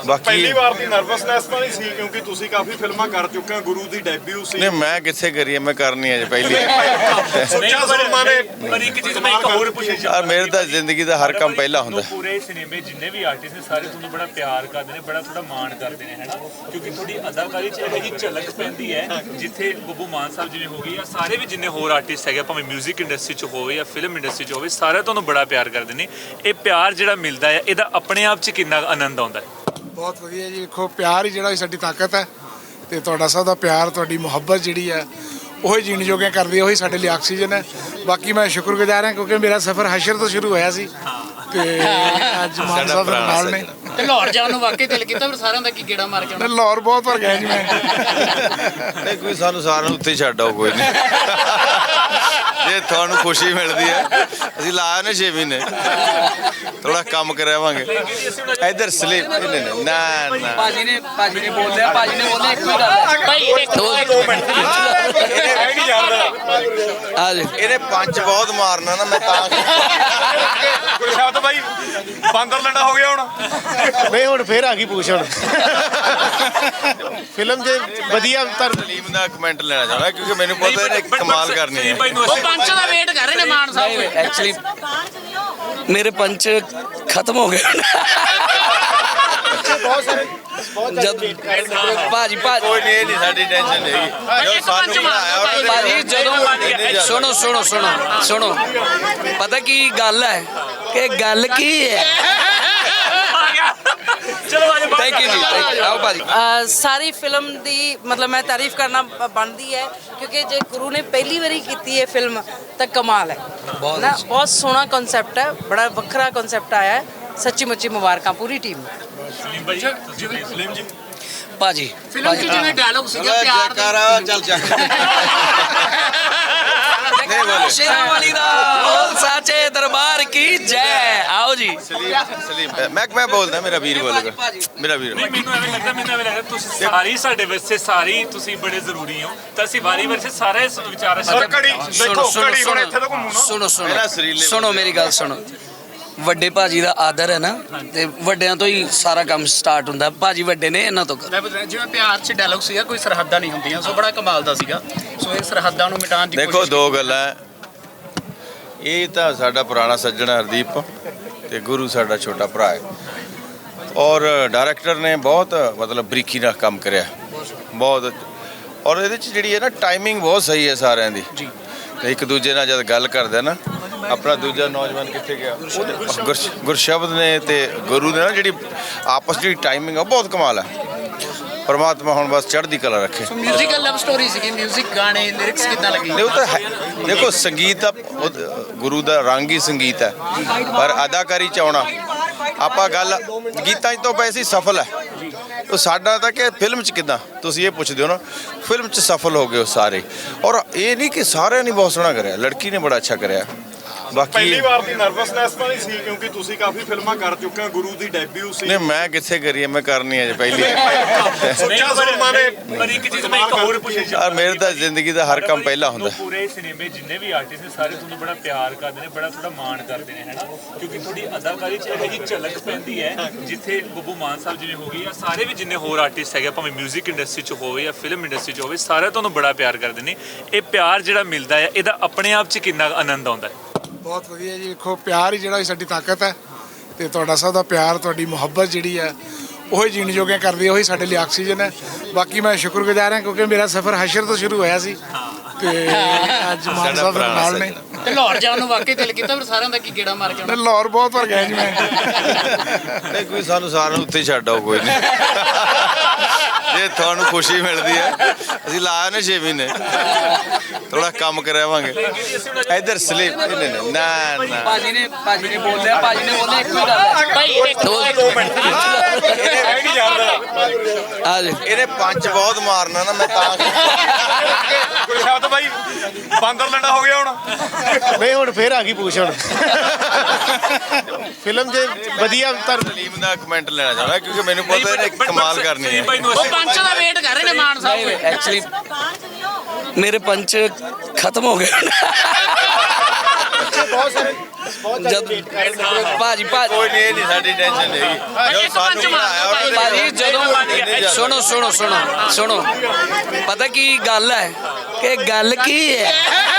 S2: ਬਾਕੀ
S8: ਪਹਿਲੀ ਵਾਰ ਦੀ ਨਰਵਸਨੈਸ ਤਾਂ ਨਹੀਂ ਸੀ ਕਿਉਂਕਿ ਤੁਸੀਂ ਕਾਫੀ ਫਿਲਮਾਂ ਕਰ ਚੁੱਕੇ ਹੋ ਗੁਰੂ ਦੀ ਡੈਬਿਊ ਸੀ
S2: ਨਹੀਂ ਮੈਂ ਕਿੱਥੇ ਕਰੀ ਹੈ, ਮੈਂ ਕਰਨੀ ਹੈ ਜੀ ਪਹਿਲੀ।
S8: ਸੁੱਚਾ ਸੁਰਮਾ ਨੇ
S7: ਪਰ ਇੱਕ ਚੀਜ਼ ਮੈਂ ਇੱਕ ਹੋਰ ਪੁੱਛਣੀ
S2: ਯਾਰ ਮੇਰੇ ਤਾਂ ਜ਼ਿੰਦਗੀ ਦਾ ਹਰ ਕੰਮ ਪਹਿਲਾ ਹੁੰਦਾ।
S7: ਪੂਰੇ ਸਿਨੇਮੇ ਜਿੰਨੇ ਵੀ ਆਰਟਿਸਟ ਨੇ ਸਾਰੇ ਤੁਹਾਨੂੰ ਬੜਾ ਪਿਆਰ ਕਰਦੇ ਨੇ, ਬੜਾ ਤੁਹਾਡਾ ਮਾਣ ਕਰਦੇ ਨੇ, ਹੈਨਾ? ਕਿਉਂਕਿ ਤੁਹਾਡੀ ਅਦਾਕਾਰੀ 'ਚ ਇਹੋ ਜਿਹੀ ਝਲਕ ਪੈਂਦੀ ਹੈ ਜਿੱਥੇ ਬੱਬੂ ਮਾਨ ਸਾਹਿਬ ਜਿਵੇਂ ਹੋ ਗਏ ਜਾਂ ਸਾਰੇ ਵੀ ਜਿੰਨੇ ਹੋਰ ਆਰਟਿਸਟ ਹੈਗੇ, ਭਾਵੇਂ 뮤직 ਇੰਡਸਟਰੀ 'ਚ ਹੋਵੇ ਜਾਂ ਫਿਲਮ ਇੰਡਸਟਰੀ 'ਚ ਹੋਵੇ, ਸਾਰੇ ਤੁਹਾਨੂੰ ਬੜਾ ਪਿਆਰ ਕਰਦੇ ਨੇ। ਇਹ ਪਿਆਰ ਜਿਹੜਾ ਮਿਲਦਾ ਹੈ ਇਹਦਾ ਆਪਣੇ ਆਪ 'ਚ ਕਿੰਨਾ ਆਨੰਦ ਆਉਂਦਾ ਹੈ?
S5: ਬਹੁਤ ਵਧੀਆ ਜੀ। ਦੇਖੋ ਪਿਆਰ ਹੀ ਜਿਹੜਾ ਸਾਡੀ ਤਾਕਤ ਹੈ ਤੇ ਤੁਹਾਡਾ ਸਭ ਦਾ ਪਿਆਰ, ਤੁਹਾਡੀ ਮੁਹੱਬਤ ਜਿਹੜੀ ਹੈ ਉਹੀ ਜੀਣ ਜੋਗੇ ਕਰਦੀ ਹੈ, ਉਹੀ ਸਾਡੇ ਲਈ ਆਕਸੀਜਨ ਹੈ। ਬਾਕੀ ਮੈਂ ਸ਼ੁਕਰਗੁਜ਼ਾਰ ਹਾਂ ਕਿਉਂਕਿ ਮੇਰਾ ਸਫ਼ਰ ਹਸ਼ਰ ਤੋਂ ਸ਼ੁਰੂ ਹੋਇਆ ਸੀ ਤੇ ਅੱਜ ਮਾਨ ਸਾਹਿਬ ਦੇ ਨਾਲ ਨੇ।
S3: ਤੇ ਲਾਹੌਰ ਜਾਣ ਨੂੰ ਵਾਕਈ ਦਿਲ ਕੀਤਾ, ਪਰ ਸਾਰਿਆਂ ਦਾ ਕੀ ਗੇੜਾ ਮਾਰ ਕੇ ਆਉਣਾ।
S5: ਲਾਹੌਰ ਬਹੁਤ ਵਾਰ ਗਿਆ ਜੀ ਮੈਂ।
S2: ਨਹੀਂ ਕੋਈ ਸਾਨੂੰ ਸਾਰਿਆਂ ਨੂੰ ਉੱਥੇ ਛੱਡ ਆਓ, ਕੋਈ ਨਹੀਂ। ਜੇ ਤੁਹਾਨੂੰ ਖੁਸ਼ੀ ਮਿਲਦੀ ਹੈ ਅਸੀਂ ਲਾਇਆ ਨੇ 6 ਮਹੀਨੇ, ਥੋੜਾ ਕੰਮ ਕਰਾਵਾਂਗੇ ਇੱਧਰ ਸਲੀਪ। ਨਹੀਂ ਨਾ ਨਾ
S1: ਭਾਜੀ ਨੇ ਬੋਲਿਆ, ਭਾਜੀ ਨੇ ਬੋਲਿਆ ਇੱਕੋ ਹੀ ਗੱਲ ਹੈ
S3: ਭਾਈ ਇੱਕ ਦੋ ਮਿੰਟ
S1: ਆ ਜੀ।
S2: ਇਹਨੇ ਪੰਜ ਬਹੁਤ ਮਾਰਨਾ ਨਾ, ਮੈਂ ਤਾਂ
S8: ਗੁਰਸ਼ਬਦ ਬਾਈ ਬਾਂਦਰ ਲੰਡਾ ਹੋ ਗਿਆ ਹੁਣ।
S4: ਨਹੀਂ ਹੁਣ ਫੇਰ ਆ ਗਈ ਪੁੱਛ ਹੁਣ। ਫਿਲਮ ਦੇ ਵਧੀਆ
S2: ਸਲੀਮ ਦਾ ਕਮੈਂਟ ਲੈਣਾ ਚਾਹੁੰਦਾ ਕਿਉਂਕਿ ਮੈਨੂੰ ਪਤਾ ਇਹਨੇ ਕਮਾਲ ਕਰਨੀ ਹੈ।
S3: ਉਹ ਪੰਚ ਦਾ ਵੇਟ ਕਰ ਰਹੇ ਨੇ ਮਾਨ ਸਾਹਿਬ।
S1: ਐਕਚੁਅਲੀ ਮੇਰੇ ਪੰਚ ਖਤਮ ਹੋ ਗਏ
S4: ਬਹੁਤ ਸਾਰੇ
S1: ਜਦ ਭਾਜੀ
S2: ਕੋਈ ਨਹੀਂ, ਇਹ ਨਹੀਂ ਸਾਡੀ ਟੈਨਸ਼ਨ ਹੈਗੀ। ਜੋ ਸਾਨੂੰ ਬਣਾਇਆ ਉਹਨਾਂ
S1: ਭਾਜੀ
S2: ਨੇ
S1: ਜਦੋਂ ਸੁਣੋ ਪਤਾ ਕੀ ਗੱਲ ਹੈ ਕਿ ਗੱਲ ਕੀ ਹੈ।
S7: ਚਲੋ ਆਜੋ
S1: ਥੈਂਕ ਯੂ ਜੀ, ਆਓ ਭਾਜੀ।
S6: ਸਾਰੀ ਫਿਲਮ ਦੀ ਮਤਲਬ ਮੈਂ ਤਾਰੀਫ ਕਰਨਾ ਬਣਦੀ ਹੈ ਕਿਉਂਕਿ ਜੇ ਗੁਰੂ ਨੇ ਪਹਿਲੀ ਵਾਰੀ ਕੀਤੀ ਹੈ ਫਿਲਮ ਤਾਂ ਕਮਾਲ ਹੈ ਨਾ। ਬਹੁਤ ਸੋਹਣਾ ਕਨਸੈਪਟ ਹੈ, ਬੜਾ ਵੱਖਰਾ ਕਨਸੈਪਟ ਆਇਆ ਹੈ। ਸੱਚੀ ਮੁੱਚੀ ਮੁਬਾਰਕਾਂ ਪੂਰੀ ਟੀਮ ਨੂੰ।
S7: ਸਲੀਮ ਭਾਈ
S8: ਸਲੀਮ ਜੀ
S1: ਭਾਜੀ
S3: ਫਿਲਮ 'ਚ ਜਿਵੇਂ ਡਾਇਲੌਗ ਸੀਗਾ ਪਿਆਰ ਦਾ,
S2: ਚੱਲ ਚੱਕ
S1: ਸ਼ੇਰਾਂ ਵਾਲੀ ਦਾ ਬੋਲ ਸਾਚੇ ਦਰਬਾਰ ਕੀ ਜੈ। ਆਓ ਜੀ
S2: ਸਲੀਮ ਮੈਂ ਬੋਲਦਾ, ਮੇਰਾ ਵੀਰ ਬੋਲੇਗਾ, ਮੇਰਾ ਵੀਰ।
S7: ਨਹੀਂ, ਮੈਨੂੰ ਐਵੇਂ ਲੱਗਦਾ ਤੁਸੀਂ ਸਾਰੀ ਸਾਡੇ ਵਾਸਤੇ ਸਾਰੀ ਤੁਸੀਂ ਬੜੇ ਜ਼ਰੂਰੀ ਹੋ, ਤਾਂ ਅਸੀਂ ਵਾਰੀ ਵਾਰੀ ਸਾਰੇ ਵਿਚਾਰ
S8: ਸਰ ਘੜੀ ਦੇਖੋ, ਘੜੀ ਹੁਣ ਇੱਥੇ ਤਾਂ ਘੁੰਮੂ ਨਾ।
S1: ਸੁਣੋ ਮੇਰੀ ਗੱਲ ਸੁਣੋ। ਵੱਡੇ ਭਾਜੀ ਦਾ ਆਦਰ ਹੈ ਨਾ, ਤੇ ਵੱਡਿਆਂ ਤੋਂ ਹੀ ਸਾਰਾ ਕੰਮ ਸਟਾਰਟ ਹੁੰਦਾ। ਭਾਜੀ ਵੱਡੇ ਨੇ, ਇਹਨਾਂ ਤੋਂ ਕਰੋ।
S3: ਜਿਵੇਂ ਪਿਆਰ 'ਚ ਡਾਇਲੌਗ ਸੀਗਾ ਕੋਈ ਸਰਹੱਦਾਂ ਨਹੀਂ ਹੁੰਦੀਆਂ, ਸੋ ਬੜਾ ਕਮਾਲ ਦਾ ਸੀਗਾ। ਸੋ ਇਹ ਸਰਹੱਦਾਂ ਨੂੰ ਮਿਟਾਉਣ ਦੀ
S2: ਦੇਖੋ ਦੋ ਗੱਲਾਂ, ਇਹ ਤਾਂ ਸਾਡਾ ਪੁਰਾਣਾ ਸੱਜਣ ਹਰਦੀਪ ਤੇ ਗੁਰੂ ਸਾਡਾ ਛੋਟਾ ਭਰਾ ਹੈ। ਔਰ ਡਾਇਰੈਕਟਰ ਨੇ ਬਹੁਤ ਮਤਲਬ ਬਰੀਕੀ ਨਾਲ ਕੰਮ ਕਰਿਆ, ਬਹੁਤ। ਔਰ ਇਹਦੇ 'ਚ ਜਿਹੜੀ ਹੈ ਨਾ ਟਾਈਮਿੰਗ ਬਹੁਤ ਸਹੀ ਹੈ ਸਾਰਿਆਂ ਦੀ ਜੀ। ਤੇ ਇੱਕ ਦੂਜੇ ਨਾਲ ਜਦ ਗੱਲ ਕਰਦੇ ਨਾ, ਆਪਣਾ ਦੂਜਾ ਨੌਜਵਾਨ ਕਿੱਥੇ ਗਿਆ, ਗੁਰਸ਼ਬਦ ਨੇ ਤੇ ਗੁਰੂ ਨੇ ਨਾ ਜਿਹੜੀ ਆਪਸ ਦੀ ਟਾਈਮਿੰਗ ਆ ਬਹੁਤ ਕਮਾਲ ਹੈ। ਪਰਮਾਤਮਾ ਹੁਣ ਬਸ ਚੜ੍ਹਦੀ ਕਲਾ ਰੱਖੇ।
S3: ਸੋ ਮਿਊਜ਼ੀਕਲ ਲਵ ਸਟੋਰੀ ਸੀਗੀ, ਮਿਊਜ਼ਿਕ ਗਾਣੇ ਲਿਰਿਕਸ ਕਿੱਦਾਂ ਲੱਗੀ?
S2: ਨਹੀਂ ਉਹ ਤਾਂ ਹੈ, ਦੇਖੋ ਸੰਗੀਤ ਦਾ ਗੁਰੂ ਦਾ ਰੰਗ ਹੀ ਸੰਗੀਤ ਹੈ, ਪਰ ਅਦਾਕਾਰੀ ਚ ਆਉਣਾ ਆਪਾਂ ਗੱਲ ਗੀਤਾਂ 'ਚ ਤੋਂ ਪਏ ਸੀ ਸਫਲ ਹੈ। ਉਹ ਸਾਡਾ ਤਾਂ ਕਿ ਫਿਲਮ 'ਚ ਕਿੱਦਾਂ, ਤੁਸੀਂ ਇਹ ਪੁੱਛਦੇ ਹੋ ਨਾ, ਫਿਲਮ 'ਚ ਸਫਲ ਹੋ ਗਏ ਉਹ ਸਾਰੇ। ਔਰ ਇਹ ਨਹੀਂ ਕਿ ਸਾਰਿਆਂ ਨੇ ਬਹੁਤ ਸੋਹਣਾ ਕਰਿਆ, ਲੜਕੀ ਨੇ ਬੜਾ ਅੱਛਾ ਕਰਿਆ। ਬਾਕੀ
S8: ਪਹਿਲੀ ਵਾਰ ਦੀ ਨਰਵਸਨੈਸ ਤਾਂ ਨਹੀਂ ਸੀ ਕਿਉਂਕਿ ਤੁਸੀਂ ਕਾਫੀ ਫਿਲਮਾਂ ਕਰ ਚੁੱਕੇ ਹੋ ਗੁਰੂ ਦੀ ਡੈਬਿਊ ਸੀ।
S2: ਨਹੀਂ ਮੈਂ ਕਿੱਥੇ ਕਰੀ ਹੈ, ਮੈਂ ਕਰਨੀ ਹੈ ਜੀ ਪਹਿਲੀ।
S8: ਸੁੱਚਾ ਸੁਰਮਾ ਨੇ
S7: ਪਰ ਇੱਕ ਚੀਜ਼ ਮੈਂ ਇੱਕ ਹੋਰ ਪੁੱਛਣੀ
S2: ਯਾਰ ਮੇਰੇ ਤਾਂ ਜ਼ਿੰਦਗੀ ਦਾ ਹਰ ਕੰਮ ਪਹਿਲਾ ਹੁੰਦਾ।
S7: ਪੂਰੇ ਸਿਨੇਮੇ ਜਿੰਨੇ ਵੀ ਆਰਟਿਸਟ ਨੇ ਸਾਰੇ ਤੁਹਾਨੂੰ ਬੜਾ ਪਿਆਰ ਕਰਦੇ ਨੇ, ਬੜਾ ਤੁਹਾਡਾ ਮਾਣ ਕਰਦੇ ਨੇ, ਹੈਨਾ? ਕਿਉਂਕਿ ਤੁਹਾਡੀ ਅਦਾਕਾਰੀ 'ਚ ਇਹੋ ਜਿਹੀ ਝਲਕ ਪੈਂਦੀ ਹੈ ਜਿੱਥੇ ਬੱਬੂ ਮਾਨ ਸਾਹਿਬ ਜਿਵੇਂ ਹੋ ਗਏ ਜਾਂ ਸਾਰੇ ਵੀ ਜਿੰਨੇ ਹੋਰ ਆਰਟਿਸਟ ਹੈਗੇ, ਭਾਵੇਂ 뮤직 ਇੰਡਸਟਰੀ 'ਚ ਹੋਵੇ ਜਾਂ ਫਿਲਮ ਇੰਡਸਟਰੀ 'ਚ ਹੋਵੇ, ਸਾਰੇ ਤੁਹਾਨੂੰ ਬੜਾ ਪਿਆਰ ਕਰਦੇ ਨੇ। ਇਹ ਪਿਆਰ ਜਿਹੜਾ ਮਿਲਦਾ ਹੈ ਇਹਦਾ ਆਪਣੇ ਆਪ 'ਚ ਕਿੰਨਾ ਆਨੰਦ ਆਉਂਦਾ ਹੈ?
S5: ਬਹੁਤ ਵਧੀਆ ਜੀ। ਦੇਖੋ ਪਿਆਰ ਹੀ ਜਿਹੜਾ ਸਾਡੀ ਤਾਕਤ ਹੈ ਤੇ ਤੁਹਾਡਾ ਸਭ ਦਾ ਪਿਆਰ, ਤੁਹਾਡੀ ਮੁਹੱਬਤ ਜਿਹੜੀ ਹੈ ਉਹੀ ਜੀਣ ਜੋਗੇ ਕਰਦੀ ਹੈ, ਉਹੀ ਸਾਡੇ ਲਈ ਆਕਸੀਜਨ ਹੈ। ਬਾਕੀ ਮੈਂ ਸ਼ੁਕਰਗੁਜ਼ਾਰ ਹਾਂ ਕਿਉਂਕਿ ਮੇਰਾ ਸਫ਼ਰ ਹਸ਼ਰ ਤੋਂ ਸ਼ੁਰੂ ਹੋਇਆ ਸੀ ਤੇ ਅੱਜ ਮਾਨ ਸਾਹਿਬ ਦੇ ਨਾਲ ਨੇ।
S3: ਤੇ ਲਾਹੌਰ ਜਾਣ ਨੂੰ ਵਾਕਈ ਦਿਲ ਕੀਤਾ, ਪਰ ਸਾਰਿਆਂ ਦਾ ਕੀ ਗੇੜਾ ਮਾਰ ਕੇ ਆਉਣਾ।
S5: ਲਾਹੌਰ ਬਹੁਤ ਵਾਰ ਗਿਆ ਜੀ ਮੈਂ।
S2: ਨਹੀਂ ਕੋਈ ਸਾਨੂੰ ਸਾਰਿਆਂ ਨੂੰ ਉੱਥੇ ਛੱਡ ਆਓ, ਕੋਈ ਨਹੀਂ। ਜੇ ਤੁਹਾਨੂੰ ਖੁਸ਼ੀ ਮਿਲਦੀ ਹੈ ਅਸੀਂ ਲਾਇਆ ਨੇ 6 ਮਹੀਨੇ, ਥੋੜਾ ਕੰਮ ਕਰਾਵਾਂਗੇ ਇੱਧਰ ਸਲੀਪ। ਨਹੀਂ ਨਾ ਨਾ
S1: ਭਾਜੀ ਨੇ ਬੋਲਿਆ, ਭਾਜੀ ਨੇ ਬੋਲਿਆ ਇੱਕੋ ਹੀ ਗੱਲ ਹੈ
S3: ਭਾਈ ਇੱਕ ਦੋ ਮਿੰਟ
S1: ਆ ਜੀ।
S2: ਇਹਨੇ ਪੰਜ ਬਹੁਤ ਮਾਰਨਾ ਨਾ, ਮੈਂ ਤਾਂ
S8: ਗੁਰਸ਼ਬਦ ਬਾਈ ਬਾਂਦਰ ਲੰਡਾ ਹੋ ਗਿਆ ਹੁਣ।
S4: ਨਹੀਂ ਹੁਣ ਫੇਰ ਆ ਗਈ ਪੁੱਛ ਹੁਣ। ਫਿਲਮ ਦੇ ਵਧੀਆ
S2: ਸਲੀਮ ਦਾ ਕਮੈਂਟ ਲੈਣਾ ਚਾਹੁੰਦਾ ਕਿਉਂਕਿ ਮੈਨੂੰ ਪਤਾ ਇਹਨੇ ਕਮਾਲ ਕਰਨੀ ਹੈ।
S3: ਉਹ ਪੰਚ ਦਾ ਵੇਟ ਕਰ ਰਹੇ ਨੇ ਮਾਨ ਸਾਹਿਬ।
S1: ਐਕਚੁਅਲੀ ਮੇਰੇ ਪੰਚ ਖਤਮ ਹੋ ਗਏ ਜਦ ਭਾਜੀ
S2: ਕੋਈ ਨਹੀਂ, ਇਹ ਨਹੀਂ ਸਾਡੀ ਟੈਨਸ਼ਨ ਨਹੀਂ ਜੋ ਸਾਨੂੰ ਬਣਾਇਆ ਉਹਦੇ
S1: ਭਾਜੀ ਜਦੋਂ ਸੁਣੋ ਪਤਾ ਕੀ ਗੱਲ ਹੈ ਕਿ ਗੱਲ ਕੀ ਹੈ।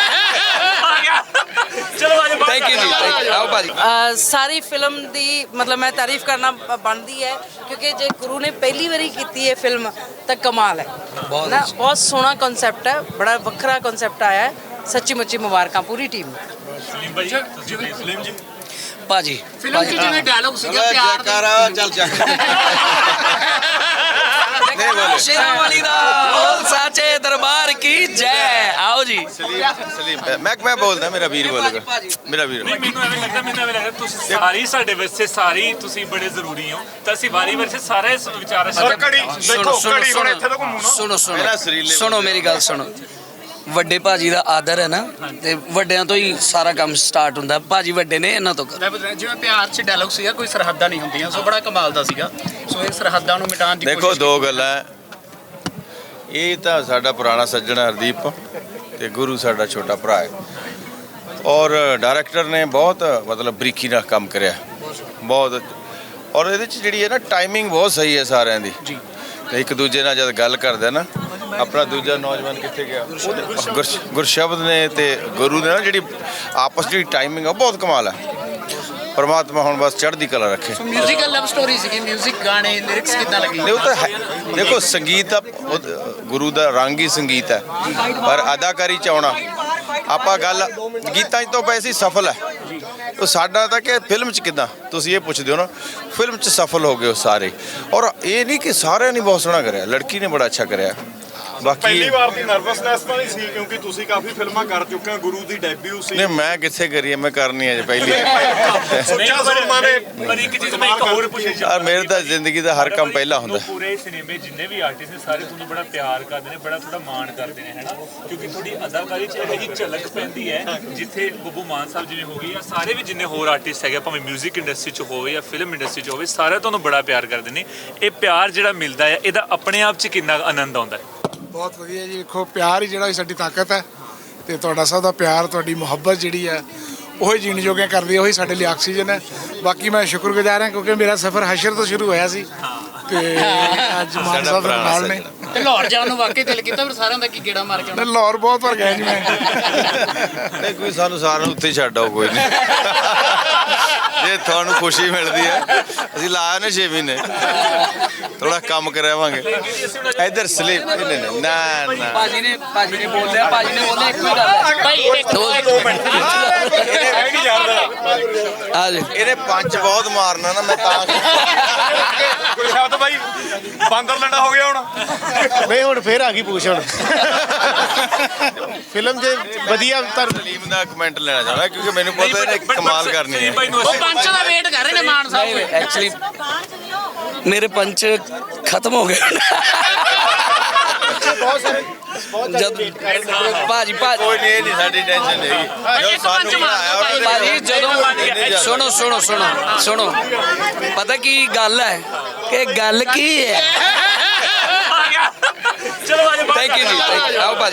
S7: ਚਲੋ ਆਜੋ
S1: thank you ji, thank you। ਆਓ ਭਾਜੀ।
S6: ਸਾਰੀ ਫਿਲਮ ਦੀ ਮਤਲਬ ਮੈਂ ਤਾਰੀਫ ਕਰਨਾ ਬਣਦੀ ਹੈ ਕਿਉਂਕਿ ਜੇ ਗੁਰੂ ਨੇ ਪਹਿਲੀ ਵਾਰੀ ਕੀਤੀ ਹੈ ਫਿਲਮ ਤਾਂ ਕਮਾਲ ਹੈ ਨਾ। ਬਹੁਤ ਸੋਹਣਾ ਕਨਸੈਪਟ ਹੈ, ਬੜਾ ਵੱਖਰਾ ਕਨਸੈਪਟ ਆਇਆ ਹੈ। ਸੱਚੀ ਮੁੱਚੀ ਮੁਬਾਰਕਾਂ ਪੂਰੀ ਟੀਮ ਨੂੰ।
S7: ਸਲੀਮ ਭਾਈ ਤੁਸੀਂ ਸਲੀਮ ਜੀ
S1: ਭਾਜੀ
S3: ਫਿਲਮ 'ਚ ਜਿਵੇਂ ਡਾਇਲੌਗ ਸੀਗਾ ਪਿਆਰ ਦਾ
S2: ਚੱਲ ਨਹੀਂ ਬੋਲੇ
S1: ਸ਼ੇਰਾਂ ਵਾਲੀ ਦਾ ਬੋਲ ਸਾਚੇ ਦਰਬਾਰ ਕੀ ਜੈ। ਆਓ ਜੀ।
S2: ਸਲੀਮ ਮੈਂ ਬੋਲਦਾ, ਮੇਰਾ ਵੀਰ ਬੋਲੇਗਾ, ਮੇਰਾ ਵੀਰ।
S7: ਨਹੀਂ ਮੈਨੂੰ ਐਵੇਂ ਲੱਗਦਾ ਤੁਸੀਂ ਸਾਰੀ ਸਾਡੇ ਵਾਸਤੇ ਸਾਰੀ ਤੁਸੀਂ ਬੜੇ ਜ਼ਰੂਰੀ ਹੋ ਤਾਂ ਅਸੀਂ ਵਾਰੀ ਵਾਰੀ ਸਾਰੇ ਵਿਚਾਰ
S1: ਸੁਣੋ ਮੇਰੀ ਗੱਲ ਸੁਣੋ। ਵੱਡੇ ਭਾਜੀ ਦਾ ਆਦਰ ਹੈ ਨਾ, ਤੇ ਵੱਡਿਆਂ ਤੋਂ ਹੀ ਸਾਰਾ ਕੰਮ ਸਟਾਰਟ ਹੁੰਦਾ। ਭਾਜੀ ਵੱਡੇ ਨੇ, ਇਹਨਾਂ ਤੋਂ ਕਰੋ।
S3: ਮੈਂ ਬਤਾ ਜਿਵੇਂ ਪਿਆਰ 'ਚ ਡਾਇਲੌਗ ਸੀਗਾ ਕੋਈ ਸਰਹੱਦਾਂ ਨਹੀਂ ਹੁੰਦੀਆਂ, ਸੋ ਬੜਾ ਕਮਾਲ ਦਾ ਸੀਗਾ। ਸੋ ਇਹ ਸਰਹੱਦਾਂ ਨੂੰ ਮਿਟਾਉਣ ਦੀ
S2: ਦੇਖੋ ਦੋ ਗੱਲਾਂ, ਇਹ ਤਾਂ ਸਾਡਾ ਪੁਰਾਣਾ ਸੱਜਣ ਹਰਦੀਪ ਤੇ ਗੁਰੂ ਸਾਡਾ ਛੋਟਾ ਭਰਾ ਹੈ, ਔਰ ਡਾਇਰੈਕਟਰ ਨੇ ਬਹੁਤ ਮਤਲਬ ਬਰੀਕੀ ਨਾਲ ਕੰਮ ਕਰਿਆ ਬਹੁਤ। ਔਰ ਇਹਦੇ 'ਚ ਜਿਹੜੀ ਹੈ ਨਾ ਟਾਈਮਿੰਗ ਬਹੁਤ ਸਹੀ ਹੈ ਸਾਰਿਆਂ ਦੀ ਜੀ। ਤੇ ਇੱਕ ਦੂਜੇ ਨਾਲ ਜਦ ਗੱਲ ਕਰਦੇ ਨਾ, ਆਪਣਾ ਦੂਜਾ ਨੌਜਵਾਨ ਕਿੱਥੇ ਗਿਆ, ਗੁਰਸ਼ਬਦ ਨੇ ਤੇ ਗੁਰੂ ਨੇ ਨਾ ਜਿਹੜੀ ਆਪਸ ਦੀ ਟਾਈਮਿੰਗ ਆ ਬਹੁਤ ਕਮਾਲ ਹੈ। ਪਰਮਾਤਮਾ ਹੁਣ ਬਸ ਚੜ੍ਹਦੀ ਕਲਾ ਰੱਖੇ।
S3: ਮਿਊਜ਼ੀਕਲ ਲਵ ਸਟੋਰੀ ਸੀਗੀ, ਮਿਊਜ਼ਿਕ ਗਾਣੇ ਲਿਰਿਕਸ ਕਿੱਦਾਂ ਲੱਗੀ?
S2: ਉਹ ਤਾਂ ਦੇਖੋ ਸੰਗੀਤ ਦਾ ਗੁਰੂ ਦਾ ਰੰਗ ਹੀ ਸੰਗੀਤ ਹੈ, ਪਰ ਅਦਾਕਾਰੀ ਚ ਆਉਣਾ ਆਪਾਂ ਗੱਲ ਗੀਤਾਂ 'ਚ ਤੋਂ ਪਏ ਸੀ ਸਫਲ ਹੈ। ਉਹ ਸਾਡਾ ਤਾਂ ਕਿ ਫਿਲਮ 'ਚ ਕਿੱਦਾਂ ਤੁਸੀਂ ਇਹ ਪੁੱਛਦੇ ਹੋ ਨਾ, ਫਿਲਮ 'ਚ ਸਫਲ ਹੋ ਗਏ ਉਹ ਸਾਰੇ। ਔਰ ਇਹ ਨਹੀਂ ਕਿ ਸਾਰਿਆਂ ਨੇ ਬਹੁਤ ਸੋਹਣਾ ਕਰਿਆ, ਲੜਕੀ ਨੇ ਬੜਾ ਅੱਛਾ ਕਰਿਆ। ਬਾਕੀ
S8: ਪਹਿਲੀ ਵਾਰ ਦੀ ਨਰਵਸਨੈਸ ਤਾਂ ਨਹੀਂ ਸੀ ਕਿਉਂਕਿ ਤੁਸੀਂ ਕਾਫੀ ਫਿਲਮਾਂ ਕਰ ਚੁੱਕੇ ਹੋ, ਗੁਰੂ ਦੀ ਡੈਬਿਊ ਸੀ।
S2: ਨਹੀਂ ਮੈਂ ਕਿੱਥੇ ਕਰੀ, ਮੈਂ ਕਰਨੀ ਹੈ ਪਹਿਲੀ।
S8: ਸੋਚਿਆ ਜ਼ਰੂਰ ਨੇ
S7: ਪਰ ਇੱਕ ਚੀਜ਼ ਮੈਂ ਇੱਕ ਹੋਰ ਪੁੱਛਣੀ
S2: ਯਾਰ ਮੇਰੇ ਤਾਂ ਜ਼ਿੰਦਗੀ ਦਾ ਹਰ ਕੰਮ ਪਹਿਲਾ ਹੁੰਦਾ।
S7: ਪੂਰੇ ਸਿਨੇਮੇ ਜਿੰਨੇ ਵੀ ਆਰਟਿਸਟ ਨੇ ਸਾਰੇ ਤੁਹਾਨੂੰ ਬੜਾ ਪਿਆਰ ਕਰਦੇ ਨੇ, ਬੜਾ ਥੋੜਾ ਮਾਣ ਕਰਦੇ ਨੇ, ਹੈਨਾ? ਕਿਉਂਕਿ ਤੁਹਾਡੀ ਅਦਾਕਾਰੀ 'ਚ ਇਹੋ ਜਿਹੀ ਝਲਕ ਪੈਂਦੀ ਹੈ ਜਿੱਥੇ ਬੱਬੂ ਮਾਨ ਸਾਹਿਬ ਜਿਵੇਂ ਹੋ ਗਏ ਜਾਂ ਸਾਰੇ ਵੀ ਜਿੰਨੇ ਹੋਰ ਆਰਟਿਸਟ ਹੈਗੇ, ਭਾਵੇਂ 뮤직 ਇੰਡਸਟਰੀ 'ਚ ਹੋਵੇ ਜਾਂ ਫਿਲਮ ਇੰਡਸਟਰੀ 'ਚ ਹੋਵੇ, ਸਾਰੇ ਤੁਹਾਨੂੰ ਬੜਾ ਪਿਆਰ ਕਰਦੇ ਨੇ। ਇਹ ਪਿਆਰ ਜਿਹੜਾ ਮਿਲਦਾ ਹੈ ਇਹਦਾ ਆਪਣੇ ਆਪ 'ਚ ਕਿੰਨਾ ਆਨੰਦ ਆਉਂਦਾ ਹੈ?
S5: ਬਹੁਤ ਵਧੀਆ ਜੀ। ਦੇਖੋ ਪਿਆਰ ਹੀ ਜਿਹੜਾ ਸਾਡੀ ਤਾਕਤ ਹੈ, ਤੇ ਤੁਹਾਡਾ ਸਭ ਦਾ ਪਿਆਰ, ਤੁਹਾਡੀ ਮੁਹੱਬਤ ਜਿਹੜੀ ਹੈ ਉਹੀ ਜੀਣ ਜੋਗਿਆ ਕਰਦੀ ਹੈ, ਉਹੀ ਸਾਡੇ ਲਈ ਆਕਸੀਜਨ ਹੈ। ਬਾਕੀ ਮੈਂ ਸ਼ੁਕਰਗੁਜ਼ਾਰ ਹਾਂ ਕਿਉਂਕਿ ਮੇਰਾ ਸਫ਼ਰ ਹਸ਼ਰ ਤੋਂ ਸ਼ੁਰੂ ਹੋਇਆ ਸੀ ਤੇ ਅੱਜ ਮਾਨ ਸਾਹਿਬ ਦੇ ਨਾਲ ਨੇ।
S3: ਤੇ ਲਾਹੌਰ ਜਾਣ ਨੂੰ ਵਾਕਈ ਦਿਲ ਕੀਤਾ, ਫਿਰ ਸਾਰਿਆਂ ਦਾ ਕੀ ਗੇੜਾ ਮਾਰ ਕੇ ਆਉਣਾ?
S5: ਲਾਹੌਰ ਬਹੁਤ ਵਾਰ ਗਿਆ ਜੀ ਮੈਂ।
S2: ਨਹੀਂ ਕੋਈ ਸਾਨੂੰ ਸਾਰਿਆਂ ਨੂੰ ਉੱਥੇ ਹੀ ਛੱਡ ਆਓ, ਕੋਈ ਨਹੀਂ। ਜੇ ਤੁਹਾਨੂੰ ਖੁਸ਼ੀ ਮਿਲਦੀ ਹੈ, ਅਸੀਂ ਲਾਇਆ ਨੇ 6 ਮਹੀਨੇ, ਥੋੜਾ ਕੰਮ ਕਰਾਵਾਂਗੇ ਇੱਧਰ ਸਲੀਪ। ਨਾ
S1: ਭਾਜੀ ਨੇ ਬੋਲਿਆ ਇੱਕ ਹੀ ਗੱਲ ਹੈ
S3: ਭਾਈ ਇੱਕ
S1: ਦੋ ਮਿੰਟ ਆ ਜੀ।
S2: ਇਹਨੇ ਪੰਜ ਬਹੁਤ ਮਾਰਨਾ ਨਾ, ਮੈਂ ਤਾਂ
S8: ਕੋਈ ਸ਼ਬਦ ਬਾਈ ਬਾਂਦਰ ਲੰਡਾ ਹੋ ਗਿਆ ਹੁਣ।
S4: ਨਹੀਂ ਹੁਣ ਫੇਰ ਆ ਗਈ ਪੁੱਛ ਹੁਣ। ਫਿਲਮ ਦੇ ਵਧੀਆ
S2: ਸਲੀਮ ਦਾ ਕਮੈਂਟ ਲੈਣਾ ਚਾਹੁੰਦਾ ਕਿਉਂਕਿ ਮੈਨੂੰ ਪਤਾ ਇਹਨੇ ਕਮਾਲ ਕਰਨੀ ਹੈ।
S3: ਉਹ ਪੰਚ ਦਾ ਵੇਟ ਕਰ ਰਹੇ ਨੇ ਮਾਨ ਸਾਹਿਬ।
S1: ਐਕਚੁਅਲੀ ਮੇਰੇ ਪੰਚ ਖਤਮ ਹੋ ਗਏ ਜਦ ਭਾਜੀ
S2: ਕੋਈ ਨਹੀਂ, ਇਹ ਨਹੀਂ ਸਾਡੀ ਟੈਨਸ਼ਨ ਨਹੀਂ ਜੋ ਸਾਨੂੰ ਬਣਾਇਆ ਉਹਦੇ
S1: ਭਾਜੀ ਜਦੋਂ ਸੁਣੋ ਪਤਾ ਕੀ ਗੱਲ ਹੈ ਕਿ ਗੱਲ ਕੀ ਹੈ।
S7: ਚਲੋ ਆਜੋ
S1: ਥੈਂਕ ਯੂ ਜੀ, ਆਓ ਭਾਜੀ।